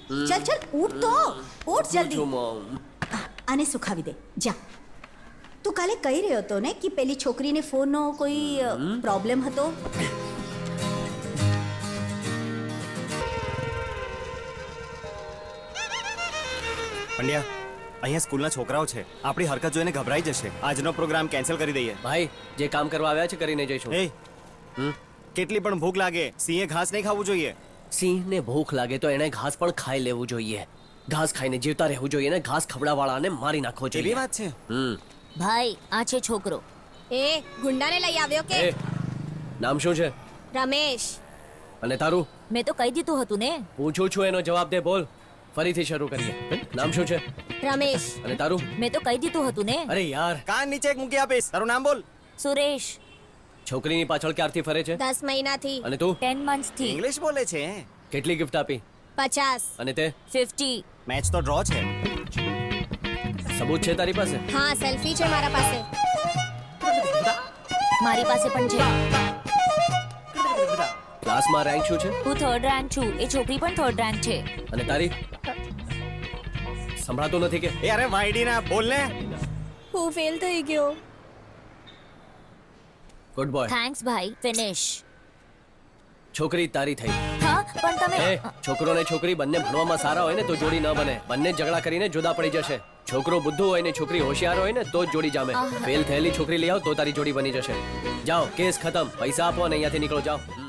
ચલ ચલ ઉઠ તો ઉઠ જલ્દી જો મોમ. આને સુખાવી દે જા તું કાલે કહી રહ્યો હતો ને કે પેલી છોકરીને ફોનનો કોઈ પ્રોબ્લેમ હતો પંડ્યા અહીંયા સ્કૂલના છોકરાઓ છે આપણી હરકત જોઈને ગભરાઈ જશે આજનો પ્રોગ્રામ કેન્સલ કરી દઈએ ભાઈ જે કામ કરવા આવ્યા છે કરીને જઈશું. એ કેટલી પણ ભૂખ લાગે સિંહે ઘાસ નહીં ખાવું જોઈએ. સિંહને ભૂખ લાગે તો એને ઘાસ પણ ખાઈ લેવું જોઈએ. ઘાસ ખાઈને જીવતા રહેવું જોઈએ ને ઘાસ ખવડાવવાળાને મારી નાખવો જોઈએ. એવી વાત છે. ભાઈ આ છે છોકરો. એ ગુંડાને લઈ આવ્યો કે એ નામ શું છે રમેશ? અને તારું? મેં તો કહી દીધું હતું ને. પૂછું છું એનો જવાબ દે બોલ. ફરીથી શરૂ કરીએ. નામ શું છે? રમેશ. અને તારું? મેં તો કહી દીધું હતું ને. અરે યાર કાન નીચે એક મૂકી આપીશ તારું નામ બોલ. સુરેશ. છોકરીની પાછળ ક્યારથી ફરે છે? 10 મહિનાથી. અને તું? 10 months થી. ઇંગ્લિશ બોલે છે. કેટલી ગિફ્ટ આપી? 50. અને તે? 50. મેચ તો ડ્રો છે. સબૂત છે તારી પાસે? હા સેલ્ફી છે મારા પાસે. મારી પાસે પણ છે. ક્લાસમાં રેન્ક શું છે? હું 3rd rank છું. એ છોકરી પણ 3rd rank છે. અને તારી? સંભળાતું નથી કે? એ અરે વાઈડી ના બોલ ને. હું ફેલ થઈ ગયો. Good boy. થેન્ક્સ ભાઈ. ફિનિશ. છોકરી તારી થઈ. હા પણ તમે એ છોકરો ને છોકરી બંને ભણવામાં સારા હોય ને તો જોડી ન બને. બંને ઝઘડા કરીને જુદા પડી જશે. છોકરો બુદ્ધુ હોય ને છોકરી હોશિયાર હોય ને તો જ જોડી જામે. ફેલ થયેલી છોકરી લઈ આવ તો તારી જોડી બની જશે. જાઓ કેસ ખતમ. પૈસા આપો અને અહીંયાથી નીકળો જાઓ.